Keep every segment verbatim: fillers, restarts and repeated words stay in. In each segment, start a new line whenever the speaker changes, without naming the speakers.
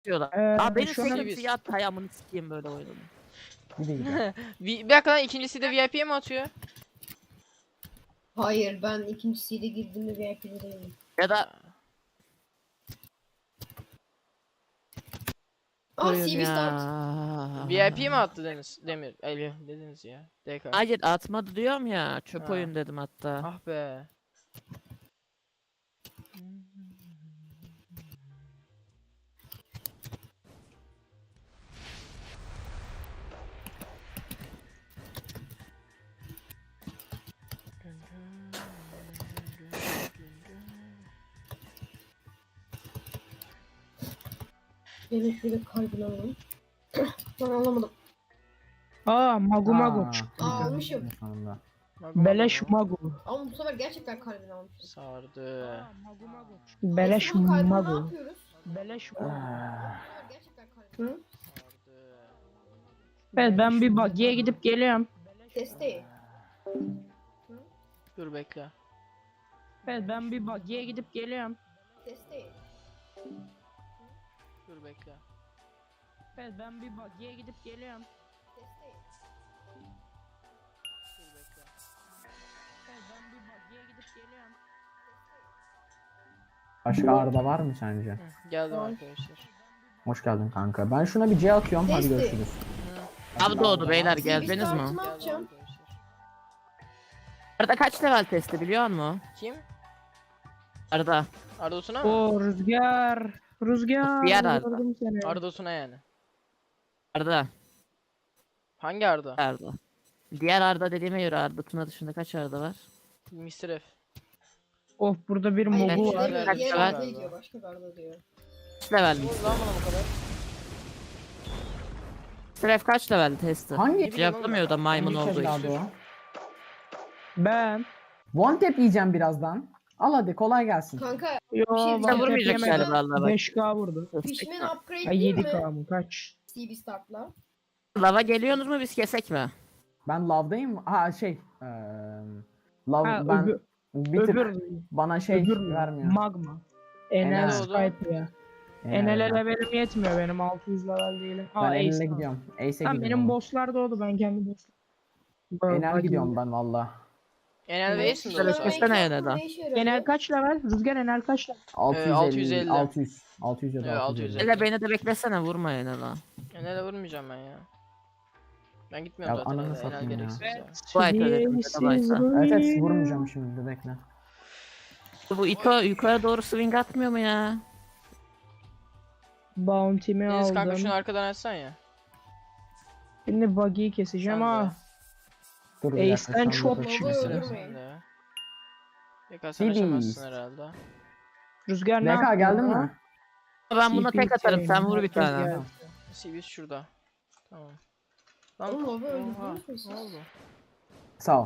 diyorlar.
Ee,
Aa benim
şu an-
sekim siyah ayağımını sikeyim böyle oyunu.
Bir de gidelim.
Bir dakika lan, ikincisi de V I P'ye mi atıyor?
Hayır, ben ikincisiyle girdiğimde V I P'de değilim.
Ya da
Ah,
oyun
C B start.
ya.
V I P'ye mi attı Deniz? Demir. Ali dediniz ya. D K.
Hayır atmadı diyorum ya. Çöp
Ha.
oyun dedim hatta.
Ah be.
Evet, şöyle kalbini alalım. Ben alamadım.
Aa Magu Magu
Aa,
çıktı.
Aa, almışım.
sonunda.
Beleş Magu.
Ama bu sefer gerçekten kalbini almışım.
Sardı.
Magu Magu. Beleş
Aslında bu kalbini ne
Magu.
yapıyoruz?
Beleş
Ah,
Magu.
Bu sefer gerçekten kalbini. Hı?
Sardı.
Evet ben bir buggy'e gidip geliyorum.
Desteği.
Dur bekle.
Evet ben bir buggy'e gidip geliyorum.
Desteği.
Dur bekle.
Evet ben bir buggy'e gidip geliyorum.
Desteği.
Dur bekle.
Evet ben bir buggy'e gidip geliyorum.
Başka Arda var mı sence?
Hı, geldim
Var.
arkadaşlar.
Hoş geldin kanka. Ben şuna bir C atıyorum. Hadi
Desteği.
görüşürüz.
Abi doğdu beyler
C B
geldiniz
start'ı
mi?
ne
Geldim
yapacağım?
arkadaşlar.
Arada kaç level testi biliyor musun?
Kim?
Arda.
Arda Tuna mı?
O rüzgar. Rüzgar.
Diğer Arda.
gördüm seni.
Arda Tuna yani.
Arda.
Hangi Arda?
Arda. Diğer Arda dediğime göre Arda Tuna dışında kaç Arda var?
mister F.
Of burada bir
Hayır,
Mogu
bir
var.
şey
Kaç
diyor,
level?
diğer Arda diyor, başka bir Arda diyor.
Kaç level
Ne
mi?
oldu lan bana bu kadar?
Stref kaç level testi?
Hangi
Hiç yapamıyor da maymun
Hangi
olduğu
evladı
için.
o?
Ben.
One tap yiyeceğim birazdan. Al hadi kolay gelsin.
Kanka,
Yo
Bir şey
bana
diyeceğim.
Vurmayacak
tepki yemedim.
galiba Allah bak.
beş K vurdu.
Fishman upgrade
Ay
değil
yedi
mi?
K mı kaç?
C B start'la.
Lava geliyorsunuz mu biz kesek mi?
Ben love'dayım. Ha şey. eee love
Ha,
ben
öbür,
bir tık
öbür,
bana şey
öbür
vermiyor.
magma. Enel
Enel.
Skype ya.
Ee,
Enel'e levelim yetmiyor benim altı yüz level değilim.
ben
Aa
eline
Ace.
gidiyorum. Ace'e
Tamam
gidiyorum.
benim bosslar doğdu ben kendi bosslar.
Enel gidiyorum ben valla.
Enel ve Ace mi
Şöyle
doğdu?
kesene yine de.
Ne işe yarıyor?
Enel kaç level? Rüzgar Enel kaç level?
altı yüz elli.
altı yüz elli.
altı yüz. altı yüz ya da
Evet,
altı yüz elli.
Hele beni de beklesene vurma yine lan.
Enel'e vurmayacağım ben ya. Ben gitmiyorum
Ya
zaten.
ananı
Enel, Enel
satayım ya.
gereksiz ya.
Vay be,
Siz
baysa.
Evet evet
ruin.
vurmayacağım şimdi bekle.
Bu Ito yukarı doğru swing atmıyor mu ya?
Bounty'mi
Deniz kanka
aldım.
şunu arkadan açsan ya.
Şimdi buggy'yi keseceğim
Sen de.
ha.
Dur bir dakika,
Ace'den
sen
çok
dur.
Baba
Mister F
öldürmeyin.
sen de. Pekala sen
C B.
açamazsın herhalde.
Rüzgar ne
N K
yaptı
geldin
bana?
mi?
Ben buna tek atarım sen vur bir
Herkes
tane.
geldi.
C B şurada. Tamam. Lan
Oğlum, Lava
oha,
öldürdünüz mü siz?
ne oldu?
Sağ ol.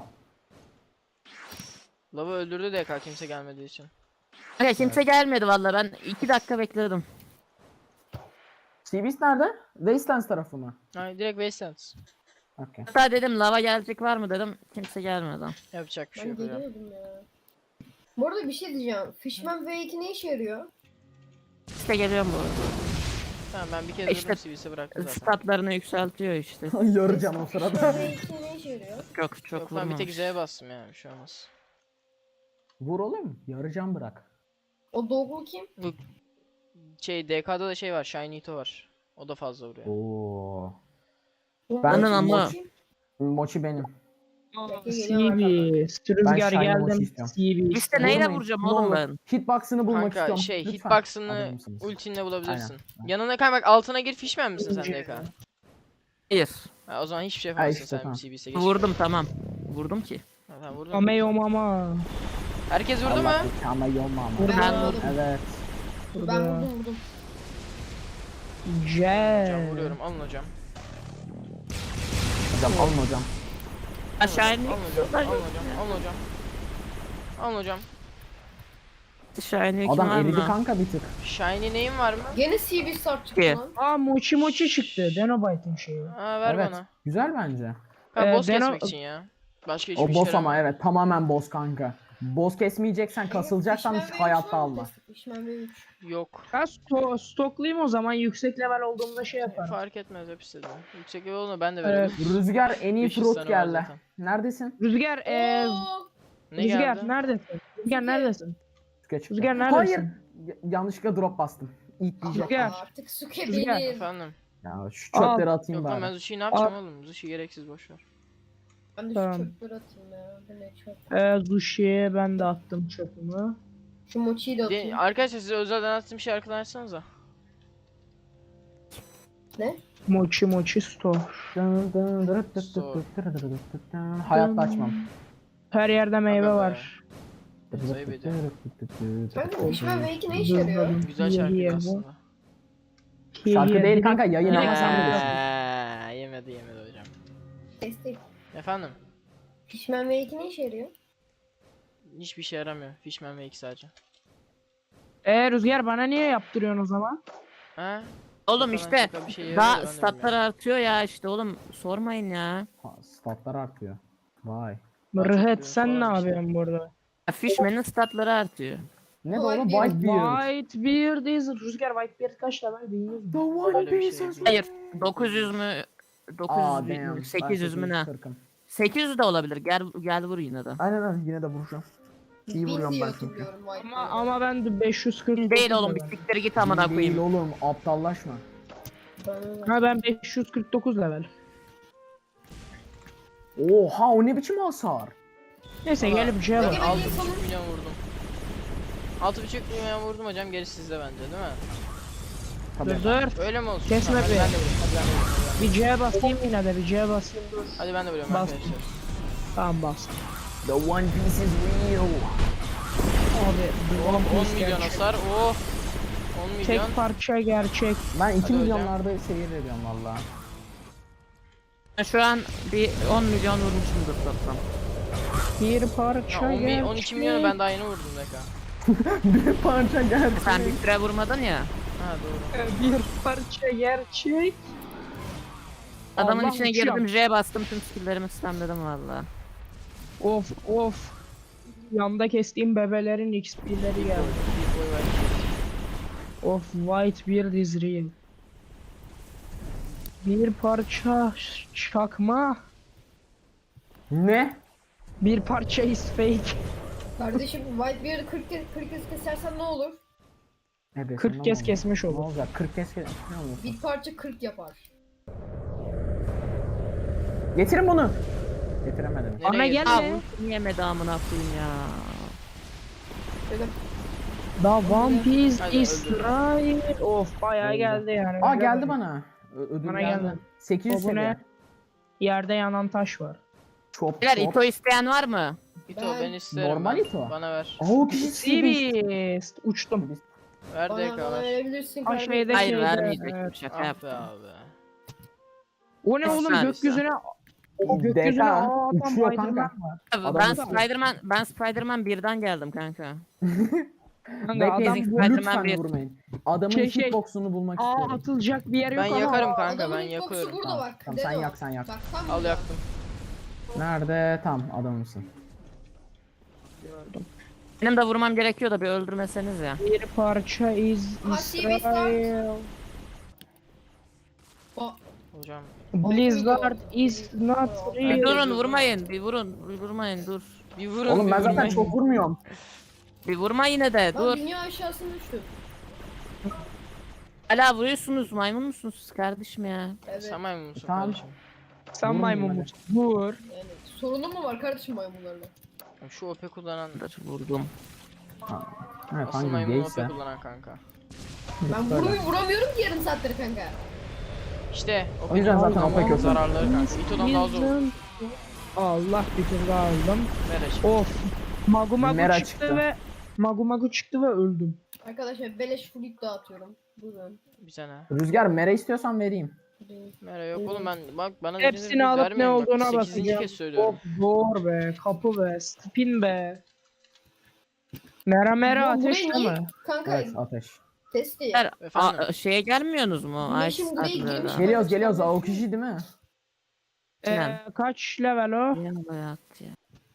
Lava öldürdü D K kimse gelmediği için.
Hayır kimse gelmedi valla ben iki dakika bekledim.
Seabeast nerede? Wastelands tarafı mı?
Hayır direkt Wastelands.
Okey.
Hatta dedim lava gelecek var mı dedim kimse gelmedi.
Yapacak bir şey
Ben
yok hocam.
geliyordum ya. Bu arada bir şey diyeceğim. Fishman V iki ne işe yarıyor?
İşte geliyorum bu arada.
Tamam ben bir kere
İşte-
durdum C B'si bıraktı zaten.
Statlarını yükseltiyor işte.
Yoracağım o
Fishman
sırada.
V iki ne işe yarıyor?
Çok çok
Yok ben bir tek
vurmamış.
Z'ye bastım ya bir şey olmaz.
Vur oğlum. Yarıcan bırak.
O Doggle kim?
Bu şey D K'da da şey var Shiny Ito var. O da fazla vuruyor.
Oo.
Bu
Ben-
Mochi
ama-
kim?
Mochi benim.
Bekle, geliyorum
C B. Rüzgar
Shiny
geldim.
Mochi istiyorum.
C B.
İşte neyle
Vurmayın,
vuracağım
ne
oğlum
olur.
ben?
Hitbox'ını bulmak
Kanka
istiyorum.
şey
Lütfen.
hitbox'ını
Alır mısınız?
ultinle bulabilirsin.
Aynen.
Yanına kanka bak altına gir Fishman misin sen D K?
Hayır.
Ha, o zaman hiçbir şey
Ha,
yapamazsın
işte,
sen
tamam.
C B'se geç.
Vurdum tamam. Vurdum ki.
Ha, tamam vurdun.
Ameyo mama.
Herkes vurdu mu?
Allah ama yolma ama.
Vurdum.
Ben
Ben
vurdum.
Evet.
Ben vurdum vurdum.
Hocam
C.
vuruyorum alın hocam.
Hocam alın hocam.
Aşağı
Alın
indik.
hocam. Alın hocam. Alın hocam. Alın hocam.
Aşağı indik
Adam
var
eridi
mı?
kanka bir tık.
Shiny neyin var mı?
Gene C B start çıktı
İyi.
lan.
Aa Mochi Mochi çıktı. Denobite'ın şeyi.
Ha ver
Evet.
bana.
Güzel bence.
Ha
Ee,
boss
ben o-
kesmek için ya. Başka hiçbir
O
şey
boss ama
yaramıyor.
evet tamamen boss kanka. Boss kesmeyeceksen kasılacaksan
Fishman V üç
hayatta
var mı
alma.
testi? Fishman V üç.
Yok.
Ben sto stoklayayım o zaman yüksek level olduğumda şey yaparım.
Fark etmez hepsi de. Yüksek level olma ben de
Evet.
verebilirim.
Rüzgar en iyi
beş yüz
fruit
tane var
geldi.
zaten.
Neredesin?
Rüzgar eee
Oo,
Ne
Rüzgar
geldi?
neredesin? Rüzgar neredesin?
Suke çıktı.
Rüzgar
Hayır.
neredesin?
Y- yanlışlıkla drop bastım. İlk diyecek.
Rüzgar.
Artık Suke
Rüzgar.
benim.
Efendim.
Ya şu çöpleri atayım
Yok lan ben
bari.
Zushi'yi ne yapacağım oğlum? Zushi gereksiz boşver.
Ben de şu
Tamam.
çöpleri atayım ya. Bu ne çöp.
Eee Zushi'ye ben de attım çöpümü.
Şu mochiyi de
De,
atayım.
arkadaşlar size özelden attığım şey arkadan açsanıza.
Ne?
Mochi mochi store.
Dın dın dırıt dıt dıt dıt dırıt dıt dıt dın. Hayatta açmam.
Her yerde meyve
Aga be.
var.
Sayı ediyorum.
Kanka Fishman V iki ne işe yarıyor?
Güzel şarkı aslında.
Şarkı değil kanka, yayın ama sen bilirsin.
Eee, yemedi yemedi hocam.
Testi.
Efendim?
Fishman V iki ne işe yarıyor?
Hiçbir şey yaramıyor. Fishman V iki sadece.
Eee Rüzgar bana niye yaptırıyorsun o zaman?
Ha?
Oğlum
Şaka
işte
şaka bir şey yarıyor da
daha
ben de
statlar
bilmiyorum.
artıyor ya işte oğlum sormayın ya.
Ha, statlar artıyor. Vay.
Rıhet sen ne
falan bir şey.
yapıyorsun burada?
Ya Fishman'ın statları artıyor.
Ne bu oğlum?
Whitebeard.
Whitebeard.
Whitebeard is Rüzgar Whitebeard kaç level bilmiyorum.
The
Öyle bir şey
Whitebeard.
değil.
Hayır dokuz yüz mü
Aa,
dokuz yüz
damn.
mü sekiz yüz mü ne?
kırkım.
sekiz yüz de olabilir gel gel vur yine de.
Aynen öyle, yine de vuracağım. İyi
Bin
vuruyorum
diye
ben çünkü.
hatırlıyorum
Ama
Whitebeard'ı.
ama ben de beş yüz kırk
Değil oğlum bir siktir git amına
Değil
koyayım.
oğlum, aptallaşma.
Bana-
Ha ben beş yüz kırk dokuz level.
Oha, o ne biçim hasar?
Neyse
Valla-
gelip şey var.
Peki, ben
altı
niye
buçuk
sanırım-
milyon vurdum. altı buçuk milyon vurdum hocam, gerisi sizde bence değil mi?
Tabii.
Dur dur.
Öyle mi olsun?
Kesme
Tamam, hadi
be.
ben de vurayım. Hadi ben de vurayım. hadi ben de
Bir C'ye basayım yine de bir C'ye basayım dur.
vurayım. Hadi ben de vuruyorum
Bas.
arkadaşlar.
Tamam bas.
The One Piece is real.
Abi bir
Oğlum
One
on
Piece
milyon
gerçek.
hasar. Oh. on milyon.
Tek parça gerçek.
Ben iki
Hadi hocam.
milyonlarda seyir ediyorum valla.
Ben şu an bir on milyon vurmuşumdur toplam.
Bir
Ya
parça
on mi-
gerçek.
on iki milyonu ben daha yeni vurdum Deka.
Bir parça geldi.
Sen bir süre vurmadın ya.
Ha doğru.
Bir parça gerçek.
Adamın
Allah
içine
uçuyor.
girdim J bastım tüm skilllerimi spamledim valla.
Of of. Yanda kestiğim bebelerin X P'leri geldi.
Bir boy var.
Of Whitebeard is real. Bir parça ş- çakma.
Ne?
Bir parça is fake.
Kardeşim Whitebeard'ı kırk kez kırk kez kesersen ne olur?
Evet,
kırk kez kesmiş
Ne
olur.
olacak? kırk kez kes. Ne olur?
Bir parça kırk yapar.
Getirin bunu. Getiremedim.
Nereye
Ana
girdin?
gel.
Aa
Gelme.
bu yemedi amına koyayım ya.
Dedim.
The One Piece
Hadi
is
öldür.
right. Of bayağı
Öldü.
geldi yani.
Aa
Öyle
geldi
böyle.
bana. Ö- ödül
Bana
geldi.
geldi.
sekiz yüz
O bu ne?
seviye.
Yerde yanan taş var.
Çop
Beyler
çop.
Ito isteyen var mı?
İto
Ben-
ben isterim.
Normal
ben.
İto.
Bana ver.
Aa, o kişi seviye.
Sibist. Uçtum.
Ver
Bana,
Deka
bana
ver.
verebilirsin
Ha,
kardeşim.
şeyde-
Hayır
şeyde,
vermeyecektim
evet.
şaka
Ah be
yaptım.
abi.
O ne
Bir
oğlum
saniye.
gökyüzüne o gökyüzüne
Deka,
aa, adam
uçuyor
Spiderman
kanka.
var.
Abi,
Adam
ben
uçuyor.
Spiderman ben Spiderman birden geldim kanka.
Kanka adam
Bekleyin,
Spiderman
lütfen
bir-
vurmayın. Adamın
Şey, şey.
hitbox'unu bulmak
aa
istiyorum.
atılacak bir yer yok
Ben
ama.
yakarım kanka,
Adamın
ben
hitbox'u
yakıyorum.
burada
Tamam,
bak.
tamam, sen
Deno.
yak, sen yak.
Bak tam
Al
burada.
yaktım.
Nerede? Tam adamımsın.
Benim de vurmam gerekiyor da bir öldürmeseniz ya.
Bir parça iz
Ha, T V
İsrail.
Aa,
Hocam.
Blizzard is not
Bir
real.
durun vurmayın bir vurun bir vurmayın dur.
Bir vurun.
Oğlum
bir
ben zaten
vurmayın.
çok vurmuyorum.
Bir vurma yine de
Lan
dur.
dünya aşağısına düştü.
Hala vuruyorsunuz maymun musunuz siz kardeşim ya?
Evet.
Sen maymun musun
Tamam.
kardeşim?
Sen
Vurmayın
maymun
hadi.
musun? Vur.
Yani sorunun mu var kardeşim maymunlarla?
Şu O P kullanan.
Dur vurdum.
Evet,
Asıl
hangi
maymun O P
gayse.
kullanan kanka.
Ben
Böyle.
vuruyor, vuramıyorum ki yarım saattir kanka.
İşte
O yüzden zaten O P
kullanmanın
kötü.
zararları kanka. İto'dan daha zor.
Allah bir tur daha aldım.
Ver
Of. Magu Magu
Mera
çıktı,
çıktı.
ve Magu Magu çıktı ve öldüm.
Arkadaşlar beleş fluid dağıtıyorum. Buyurun.
Bir sene.
Rüzgar mere istiyorsan vereyim.
Mera yok oğlum, ben bak bana
Hepsini
dediğiniz gibi
alıp ne
vermeyin bak.
olduğuna
sekizinci
bakacağım.
kez söylüyorum.
Of zor be, kapı be, spin be. Mera mera
Ya
ateş
burayı niye-
mi?
Kanka
Evet, ateş.
testi.
Beyler,
Efendim?
a- şeye gelmiyorsunuz mu? Ay,
Güneşin buraya
statlara.
girmiş.
Geliyoruz geliyoruz. O kişi değil mi?
Ee, kaç level o?
Yan bayağı attı ya.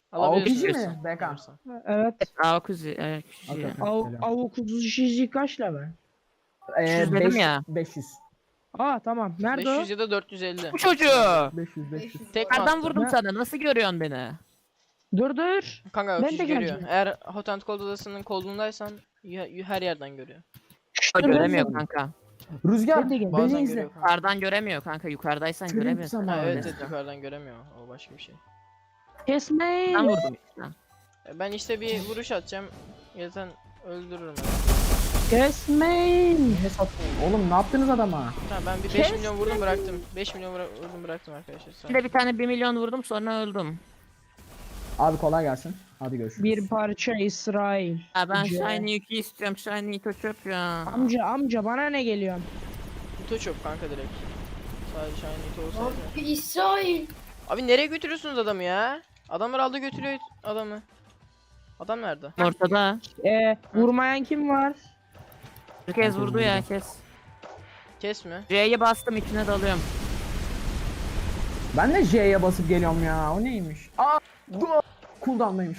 Alabilirsin.
Avukici mi?
diyorsun.
B K.
Alırsan.
Evet.
Aa kuzi. Evet.
Okey,
kuzi.
okey.
Av,
Selam.
avuk kuzu şişi kaç level?
Ee,
beş yüz dedim
beş-
ya.
beş yüz.
Aa tamam. Nerede
beş
o?
yüz ya da dört yüz elli.
Bu çocuğu.
beş yüz beş yüz.
beş yüz
Tek
dolar.
mi
Nereden
attın?
vurdum
Ne?
sana? Nasıl görüyorsun beni?
Dur dur.
Kanka
Ben
öküz
de
görüyor.
geleceğim.
Eğer Hot and Cold odasının kolundaysan y- y- her yerden görüyor.
O
Dur,
göremiyor
dur.
kanka.
Rüzgar
Ben de gel-
Bazen
beni izle.
görüyor kanka.
Yukarıdan göremiyor kanka. Yukarıdaysan
Trip
göremiyorsun.
zamanı.
Ha, evet,
Öyle.
evet yukarıdan göremiyor. O başka bir şey.
Kesmeyin.
Ben vurdum işte.
E, Ben işte bir vuruş atacağım. Zaten öldürürüm. ben.
Kesmeyin.
Ne sattın? Oğlum ne yaptınız adama?
Ha, ben bir beş
Kes
milyon vurdum bıraktım. beş milyon vura- vurdum bıraktım arkadaşlar. Sağ
Bir de bir tane bir milyon vurdum sonra öldüm.
Abi kolay gelsin. Hadi görüşürüz.
Bir parça İsrail.
Ya ben
Ce-
Shiny iki istiyorum. Shiny iki çöp ya.
Amca amca bana ne geliyorsun?
Kutu çöp kanka direkt. Sadece Shiny Ito olsaydı.
Abi İsrail.
Abi nereye götürüyorsunuz adamı ya? Adamlar aldı götürüyor adamı. Adam nerede?
Ortada.
Ee, vurmayan kim var?
Bir kez vurdu ya kes.
Kes mi?
C'ye bastım içine dalıyorum.
Ben de J'ye basıp geliyorum ya. O neymiş? Aa! Dur! Cooldown'daymış.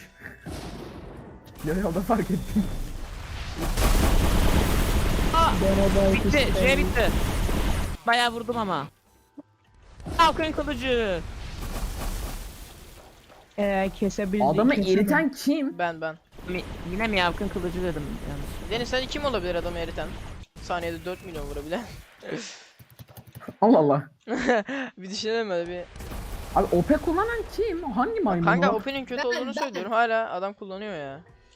Yolda fark ettim.
Bitti. C bitti. Bayağı vurdum ama. Falcon kılıcı.
Ee, kesebildik.
Adamı
kesemem.
eriten kim?
Ben ben.
Mi- Yine mi Falcon kılıcı dedim yanlış.
Deniz sen kim olabilir adamı eriten? Saniyede dört milyon vurabilen.
Allah Allah.
Bir düşünelim böyle bir.
Abi O P kullanan kim? Hangi maymun
Kanka
o?
Open'in kötü
Ben-
olduğunu
ben-
söylüyorum. Hala adam kullanıyor ya.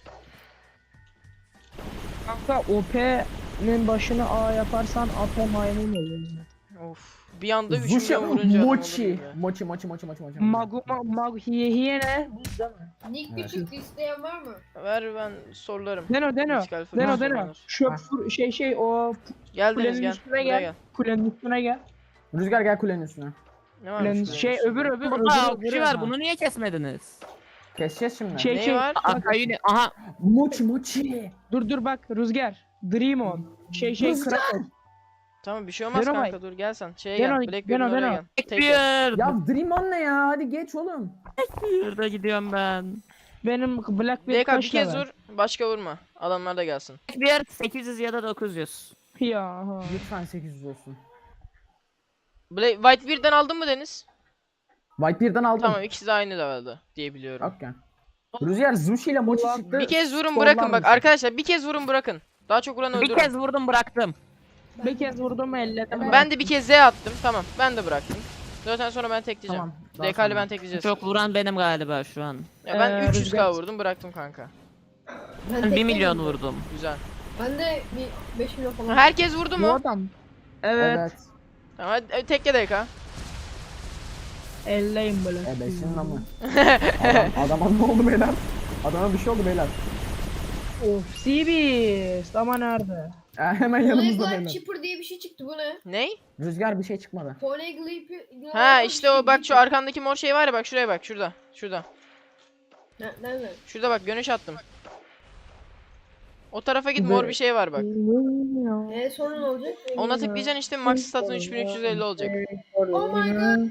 Kanka O P'nin başını A yaparsan A P maymun oluyor.
Of. Bir anda üç
Zuşa
milyon vurunca adam olur
Mochi.
gibi.
Mochi mochi mochi mochi mochi.
Magu ma, mag hiye hiye ne? Buz değil mi?
Nick
Evet.
küçük isteyen var mı?
Ver ben sorularım.
Deno deno.
Müzikal falan
Deno deno.
sorular.
Şöp
Ha.
fur- şey şey o
Gel Deniz
kulenin
gel.
üstüne
Buraya
gel.
gel.
Kulenin üstüne gel.
Rüzgar gel kulenin üstüne.
Ne var?
Kulenin şey öbür öbür
Burada
öbür
okçu
öbür.
var bunu niye kesmediniz?
Keseceğiz şimdi.
Şey
Neyi
şey.
var?
Akayuni aha
Mochi mochi.
Dur dur bak Rüzgar. Dream on. Şey şey
Rüzgar.
Kraken.
Tamam bir şey olmaz
Deno
kanka
bay.
dur gel sen. Şeye
Deno,
gel. Blackbeard'in
Deno,
oraya
Deno.
gel. Tek gel.
Blackbeard.
Ya Dream on ne ya? Hadi geç oğlum.
Şurada gidiyorum ben.
Benim Blackbeard
D K bir
kaç
kez
level?
vur. Başka vurma. Adamlar da gelsin.
Blackbeard sekiz yüz ya da dokuz yüz.
Ya. ha.
Lütfen sekiz yüz olsun.
Black Whitebeard'den aldın mı Deniz?
Whitebeard'dan aldım.
Tamam ikisi de aynı levelde diye biliyorum.
Okey. Rüzgar Zushi ile Mochi
Ulan,
çıktı.
Bir kez vurun
Sollar
bırakın bak
mısın?
arkadaşlar bir kez vurun bırakın. Daha çok vuran
Bir
öldürün.
kez vurdum bıraktım.
Bir kez vurdum elledim.
Ben de bir kez Z attım. Tamam ben de bıraktım. Zaten sonra ben tekleyeceğim.
Tamam. daha
D K'li
sonra.
ben tekleyeceğiz.
Çok vuran benim galiba şu an.
Ya ben
Ee,
üç yüz K
Rüzgar-
vurdum bıraktım kanka.
Ben
Ben bir
tek
milyon
değilim.
vurdum.
Güzel.
Ben de bir beş milyon falan.
Herkes vurdu
Bu
mu?
adam. Evet.
Evet.
Tamam hadi e, tekle D K.
Elleyim böyle.
E beşinin amı. Adam, adama ne oldu beyler? Adama bir şey oldu beyler.
Of Seabeast ama nerede?
E, hemen yanımızda
Poneglyph
beyler.
Chipper diye bir şey çıktı bu ne?
Ney?
Rüzgar bir şey çıkmadı.
Poneglyph.
Ha işte o bak şu arkandaki mor şey var ya bak şuraya bak şurada. Şurada.
Ne, nerede?
Şurada bak görünüş attım. O tarafa git mor bir şey var bak.
E sonra ne olacak?
Ona tıklayacaksın işte max statın üç bin üç yüz elli olacak.
Oh my god.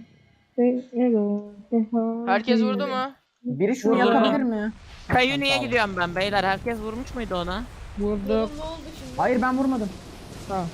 Herkes vurdu mu?
Biri şunu
Vurdum.
yapabilir mi?
Kayuni'ye
Tamam.
gidiyorum ben beyler. Herkes vurmuş muydu ona?
Vurduk.
Oğlum ne oldu şimdi?
Hayır ben vurmadım.
Ha.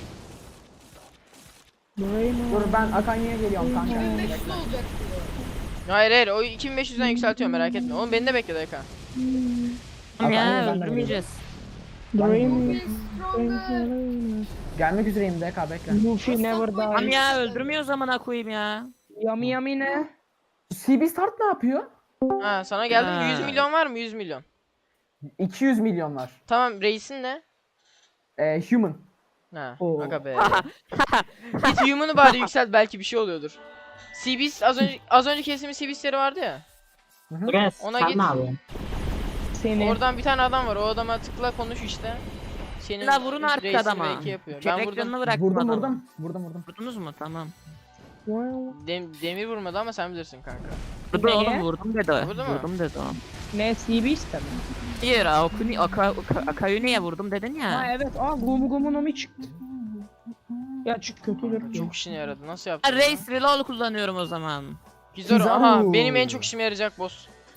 Dur ben Akanya'ya geliyorum kanka.
iki bin beş yüz olacak bu.
Hayır hayır o iki bin beş yüzden yükseltiyorum merak etme. Oğlum beni de bekle D K.
Tamam ya
Akayuni ben de
öldürmeyeceğiz.
Dream.
Feel stronger.
Gelmek üzereyim D K bekle.
Luffy never
Tamam
dies.
ya öldürmüyor zamana koyayım ya.
Yami yami ne?
C B Start ne yapıyor?
Ha sana geldim
Ha.
yüz milyon var mı yüz milyon?
iki yüz milyon var.
Tamam reisin ne?
E, human.
Ha
Oo.
aga be. Git human'ı bari yükselt belki bir şey oluyordur. C B az önce az önce kestiğimiz C B'sleri vardı ya.
Yes.
Ona
sen
git.
ne yapıyorsun?
Seni.
Oradan bir tane adam var. O adama tıkla konuş işte. Senin
La vurun artık
reisini
adama.
belki yapıyor. Ben
Çeyrek
vurdum.
canını bıraktım
Vurdum
adama.
vurdum. Vurdum vurdum.
Vurdunuz mu? Tamam.
Dem- demir vurmadı ama sen bilirsin kanka.
Vurdu
Neye?
oğlum vurdum dedi.
Vurdu mu?
Vurdum dedi o.
Ne Seabeast mi?
Hayır Akuni, Aka, Aka, Akayuni'ye vurdum dedin
Ha
ya.
evet. Aa Gumu Gumu Nomi çıktı. Ya çık kötüdür.
Çok işine yaradı. Nasıl
Ben
yaptın?
Race Reload kullanıyorum o zaman.
Güzel.
Güzel.
Aha benim en çok işime yarayacak boss.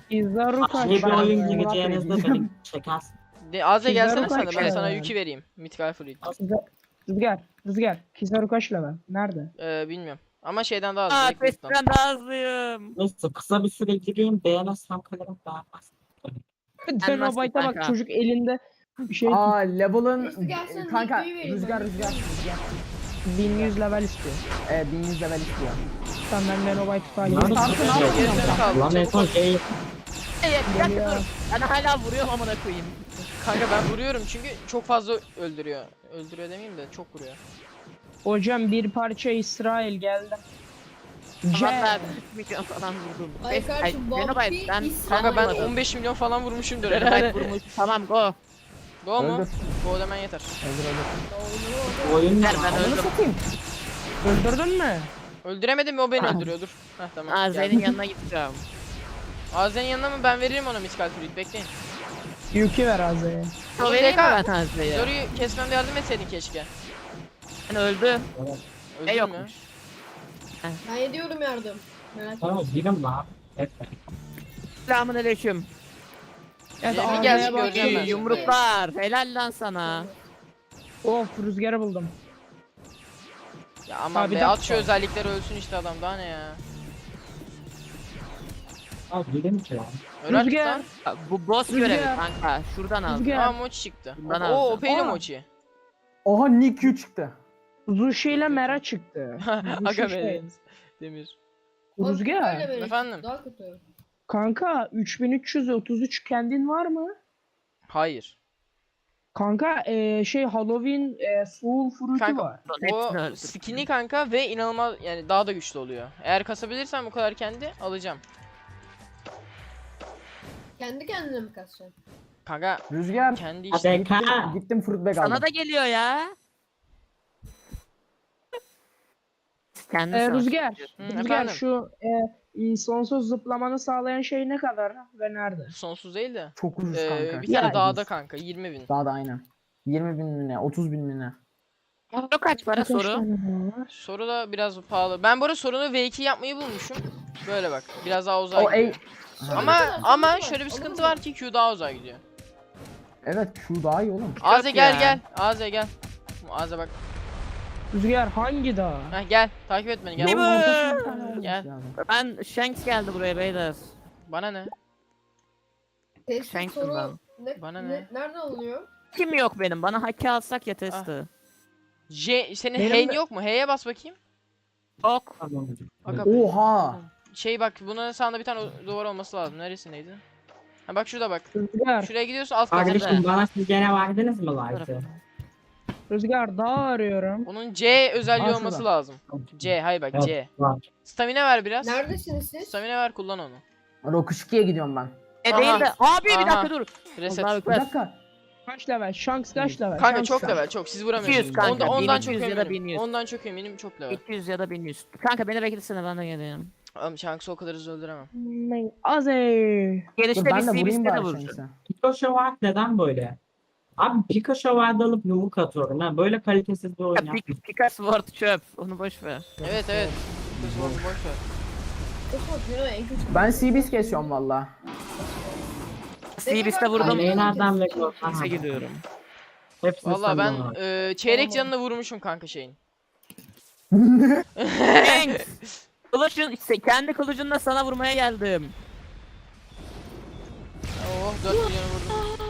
Kizaru kaç?
İyi bir
Ben-
oyun
Ben-
gireceğinizde beni çekersin.
De Azze
Kizaru
gelsene sen de
kaç
ben
ya?
sana yükü vereyim. Mythical Fruit.
Rüzgar. Rüzgar. Kizaru kaç level? Nerede?
Ee, bilmiyorum. Ama şeyden daha az.
Aa
direkt loot'tan.
testten daha hızlıyım.
Neyse kısa bir süre gireyim beğenirsem kalırım beğenmezsem.
Denobayt'a bak
kanka?
çocuk elinde bir şey
Aa level'ın
Neyse, gelsene,
kanka
Nick'yi vereyim
rüzgar
ben.
rüzgar rüzgar.
bin yüz level istiyor.
Evet bin yüz level istiyor.
Sen ben Denobayt'ı takip
Lan
ediyorum.
Tarkı ne yapıyorsun?
Gerisini kaldı.
Lan en
Çabuk
son
ol.
şey
Hey, bir dakika
Geliyor.
dur. Ben hala vuruyorum amına koyayım.
Kanka ben vuruyorum çünkü çok fazla öldürüyor. Öldürüyor demeyeyim de çok vuruyor.
Hocam bir parça İsrail geldi.
Valla
C.
üç milyon falan vurdum.
Ay
Beş-
kardeşim,
Ay,
Bobby
Xenobyte, ben
İsrail-
Kanka ben
vurmadım.
on beş milyon falan vurmuşumdur
Xenobyte
herhalde.
vurmuş. Tamam go.
Go mu?
Öldür.
Go demen yeter.
Öldür öldür.
oyun ne
Ver, ben
lan?
Onu
öldüm.
satayım.
Öldürdün mü?
Öldüremedim mi o beni öldürüyor dur. Heh tamam.
Aa
geldim.
Zeyn'in yanına gideceğim.
Azen'in yanına mı ben veririm ona Mythical Fruit bekleyin.
Yükü ver Azze'ye.
O vereyim mi ben Tanrı'yı?
Zoru'yu kesmemde yardım etseydin keşke.
Ben öldü.
Öldün
E
mü?
yokmuş.
Ben ediyorum yardım. Merak etme.
Tamam girin lan. Etme.
Selamun aleyküm.
Evet,
Cemil
Azze'ye
gelsin,
bak.
göreceğim ben.
İyi yumruklar. Helal lan sana.
Of rüzgarı buldum.
Ya aman
Abi
be
dakika.
at şu özellikleri ölsün işte adam daha ne ya.
Aa girin ki lan.
Öl artık
Rüzgar.
lan.
Bu boss
Rüzgar.
görevi kanka. Şuradan aldım.
Rüzgar.
Aa mochi çıktı.
Bundan
Oo
aldım.
Opey'li
Aa.
mochi.
Oha Nick Q çıktı.
Zushi ile Mera çıktı.
Aga
Zushi
be
şey.
Deniz. Demir.
Abi,
Rüzgar.
böyle böyle.
Efendim?
Daha kötü.
Kanka üç bin üç yüz otuz üç kendin var mı?
Hayır.
Kanka eee, şey Halloween eee, Soul Fruit'u
Kanka,
var.
Hepsini
O
öldürdüm.
skin'i kanka ve inanılmaz yani daha da güçlü oluyor. Eğer kasabilirsem bu kadar kendi alacağım.
Kendi kendine mi kasacaksın?
Kanka
Rüzgar.
kendi
Hadi
işte.
ka.
Gittim fruit bag aldım.
Sana da geliyor ya. Kendi
Eee,
savaş.
Rüzgar.
Hı,
Rüzgar
efendim?
şu eee, sonsuz zıplamanı sağlayan şey ne kadar ve nerede?
Sonsuz değil de.
Çok ucuz
Ee,
kanka.
bir tane
Ya,
dağda kanka yirmi bin.
Daha da aynen. yirmi bin mi ne? otuz bin mi ne?
Soru kaç para
Kaç
soru?
tane daha var?
Soru da biraz pahalı. Ben bu arada sorunu V iki yapmayı bulmuşum. Böyle bak. Biraz daha uzağa
O ey.
gidiyor. Ama
Sonra
ama
var,
şöyle bir
sonra
sıkıntı
var.
var ki Q daha uzağa gidiyor.
Evet şu daha iyi oğlum.
Aze
Yok
gel
ya.
gel. Aze gel. Aze bak.
Rüzgar hangi dağ?
Heh, gel. Takip et beni gel.
Değil mi?
Yolun ortasına bir tane olmuş
Gel.
yani.
Ben Shanks geldi buraya beyler.
Bana ne?
Test
Shankson
soru
ben.
ne,
Bana
ne?
ne?
Nereden alınıyor?
Kim yok benim? Bana haki alsak ya
Ah.
testi.
J senin
Benim
H'in
de-
yok mu? H'ye bas bakayım.
Yok.
Tamam.
Aga be.
Oha.
Şey bak bunun sağında bir tane o- duvar olması lazım. Neresindeydi? Ha bak şurada bak.
Rüzgar.
Şuraya gidiyorsun alt katında.
Kardeşim bana siz gene verdiniz mi light'ı?
Rüzgar dağ arıyorum.
Onun C özelliği
Aa,
olması
şurada.
lazım. C hayır bak
Evet,
C.
var.
Stamina ver biraz.
Neredesiniz siz?
Stamina ver kullan onu.
Rock ikiye gidiyorum ben.
E
Aha.
değil de. Abi bir
Aha.
dakika dur.
Reset.
Allahu
Bir
Ekber.
dakika.
Kaç level? Shanks kaç level?
Kanka
Shanks
çok
kaç?
level çok siz vuramıyorsunuz.
iki yüz kanka,
Onda, ondan
bin
çok
iki yüz ya da bin
eminim.
yüz.
Ondan çok eminim çok level.
iki yüz ya da bin yüz. Kanka beni beklesene ben de geleyim.
Oğlum Shanks'ı o kadar hızlı öldüremem.
Hmm, Aze.
Gelişte
Dur ben
bir
de vurayım
C B'sine de
bari
vuracağım.
Shanks'e.
Pikachu var neden böyle? Abi Pikachu vardı alıp yumruk atıyorum. Ben böyle kalitesiz bir oyun
Ya,
yaptım.
Pik- Pickaxe Sword çöp. Onu boş ver.
Evet evet. Kız oldu boş ver.
Çok kötü, en kötü.
Ben C B's kesiyorum valla.
C B'sine vurdum.
Kaleyi nereden bekliyorsun?
X'e gidiyorum.
Hepsini
Valla
sen
ben
bana.
e, çeyrek canını vurmuşum kanka şeyin.
Shanks! Kılıcın, işte kendi kılıcınla sana vurmaya geldim.
Oh dört milyonu vurdum.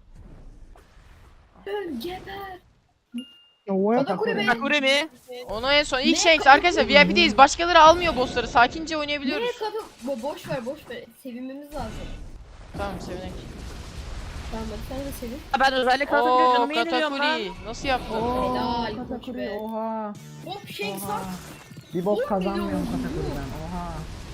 Öl, geber.
What?
Katakuri be.
Sakure mi?
Onu en son ilk
Ne?
Shanks arkadaşlar V I P'deyiz. Başkaları almıyor bossları. Sakince
Nereye
oynayabiliyoruz.
kadın? Bo boş ver boş ver. Sevinmemiz lazım.
Tamam sevinek.
Tamam hadi sen de sevin.
Ben özellik alınca
Oo
canımı yeniliyorum lan.
Katakuri. Nasıl yaptın?
Helal, koç
Katakuri
be.
oha.
Hop Shanks
Oha.
var.
Bir bok
On
kazanmıyorum
milyon.
Katakuri'den. Oha.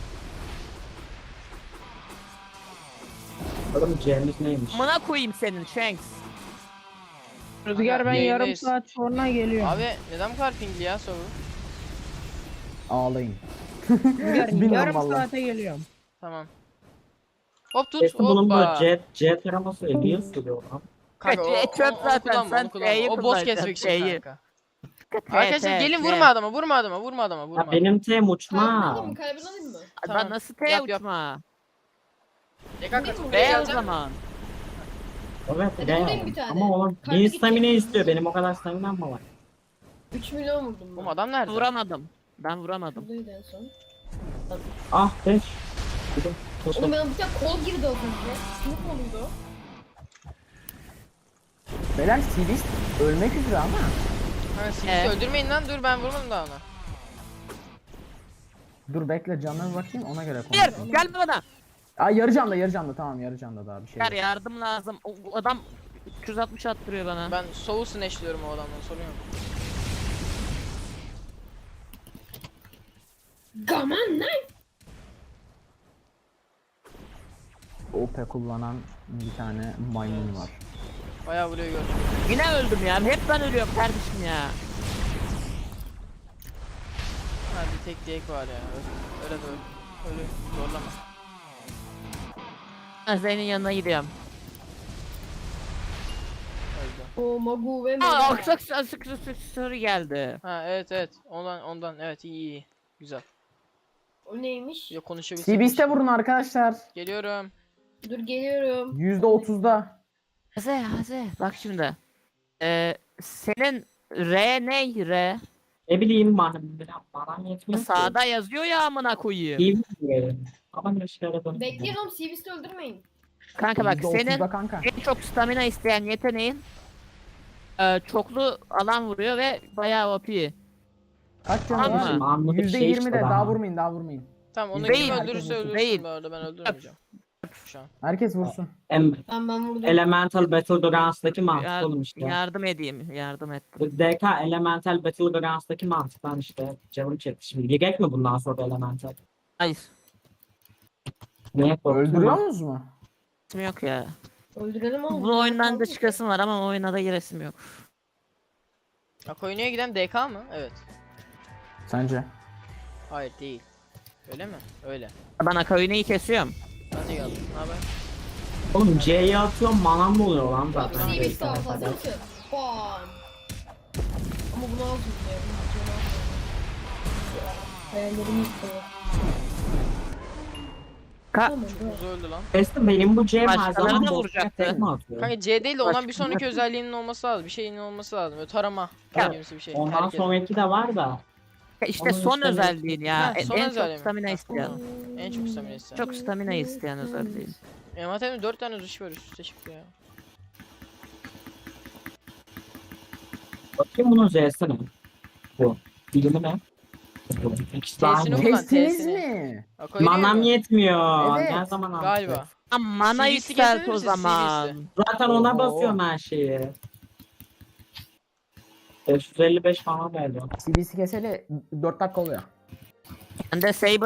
Oğlum C'miz neymiş?
Amına koyayım senin Shanks.
Rüzgar ben yarım
Yayındayız.
saat sonra geliyorum.
Abi neden bu kadar pingli ya soru?
Ağlayın.
Rüzgar
bilmiyorum
yarım
vallahi.
saate geliyorum.
Tamam. Hop tut
Kesin bunun
hoppa.
bu C, C taraması niye sürüyor lan?
Kanka o,
E, çöp
onu, onu
zaten,
kullanma,
sen
onu kullanma.
T'yi
O boss
kullanacaksın,
kesmek için
T'yi.
kanka.
T,
Arkadaşlar
T,
gelin
T.
vurma adama, vurma adama, vurma adama, vurma.
Ya benim tem
Kaybın
uçma.
alayım mı? Kaybın alayım mı?
Ben
Tamam.
nasıl T
Yap, yap.
uçma?
D K katıl.
Buraya
Be o
geleceğim.
zaman.
Evet
Hadi
de
vurayım
yani.
bir tane.
Ama oğlum
Kalbi
bir
gidecek.
stamina istiyor. Benim o kadar staminam mı var?
üç milyon vurdum ben.
Oğlum adam nerede?
Vuramadım. Ben vuramadım.
Buradaydı en son.
Ah beş. Gidin.
Oğlum ben bir tane kol girdi az önce. Ne koluydu?
Beyler Sivist ölmek üzere ama.
Ha, siz
Ee?
öldürmeyin lan, dur ben vurmadım daha ona.
Dur bekle canına bir bakayım ona göre
Hayır
konuşalım.
gelme bana.
Ay yarı canda yarı canda tamam yarı canda daha bir şey.
Gel
yok.
yardım lazım. O, o adam üç yüz altmış attırıyor bana.
Ben soul snatchliyorum o adamdan, sorun yok.
Gaman lan.
O P kullanan bir tane maymun var.
Bayağı vuruyor gördüm.
Yine öldüm ya. Hep ben ölüyorum kardeşim ya.
Ha bir tek Drake var ya. Öyle, öyle de öyle. Öyle zorlama.
Ben senin yanına gidiyorum.
Öldü.
O Magu ve
Aa
Mega.
aksak aksak soru geldi.
Ha evet evet. Ondan ondan evet iyi iyi. Güzel.
O neymiş?
Yok konuşabilsek.
Sivist'e vurun arkadaşlar.
Geliyorum.
Dur geliyorum.
yüzde otuzda.
Haze Haze bak şimdi. Ee, senin R ne R?
Ne bileyim bana biraz bana yetmiyor ki.
Sağda yazıyor ya amına koyayım.
İyi mi diye. Ama ne şeyler dönüyor.
Bekleyin oğlum Sivist'i öldürmeyin.
Kanka bak
yüzde otuzda
senin
kanka.
en çok stamina isteyen yeteneğin e, çoklu alan vuruyor ve bayağı O P.
Kaç canı
Tamam
var?
mı?
Anladık
yüzde
şey
yirmide
işte
daha vurmayın daha vurmayın.
Tamam onu
Değil.
kim
Herkes
öldürürse
vursun.
öldürsün
Değil.
bu arada, ben öldürmeyeceğim. Şu an.
Herkes vursun.
Em,
Ben ben vurdum.
Elemental Battlegrounds'daki mantık
Yar-
oğlum işte.
yardım edeyim. Yardım et.
Bu D K Elemental Battlegrounds'daki mantıktan işte canım çekti şimdi. Gerek mi bundan sonra Elemental?
Hayır.
Niye korktun
Öldürüyor
lan?
musunuz mu?
İsim yok ya.
Öldürelim oğlum.
Bu oyundan da çıkasım var ama oyuna da giresim yok.
Akoyunu'ya giden D K mı? Evet.
Sence?
Hayır değil. Öyle mi? Öyle.
Ben Akayune'yi kesiyorum.
Ben de geldim. Ne haber?
Oğlum C'yi atıyorum manam mı oluyor lan
Abi
zaten?
Sivist var hazır mısın? Bam. Ama bunu aldım ya. Hayallerim yıktı.
Ka
Tamam dur.
Kuzu öldü lan.
Kestim benim bu C'm her
Başkalarına
zaman
da
boşuna
vuracaktı.
tekme atıyor.
Kanka C değil de ondan bir
Başka-
sonraki özelliğinin olması lazım. Bir şeyinin olması lazım. Böyle tarama.
Ya,
Gibisi bir şey.
Ondan
Herkes.
sonraki de var da.
işte
Onun
son
üstüne-
özelliğin ya.
Ha,
En-
son
en
özelliği mi?
çok stamina
Ha.
isteyen.
En çok stamina isteyen.
Çok stamina isteyen özelliğin.
Envanterimde dört tane duş var üst üste çıktı ya.
Bakayım bunun Z'si ne? Bu. Dilimi ne? Bu. İkisi de
T'sini
aynı.
Ulan
Kestiniz
T'sini.
mi?
Akoyunu'ya
Manam
mı?
yetmiyor.
Evet.
Ne zaman alacağız?
Galiba.
Ama mana
C V C
yükselt
getirir
o
misin,
zaman.
C V C?
Zaten ona
Oo.
basıyorum her şeyi. beş yüz elli beş falan verdi.
C B C keseli dört dakika oluyor.
Bende Saber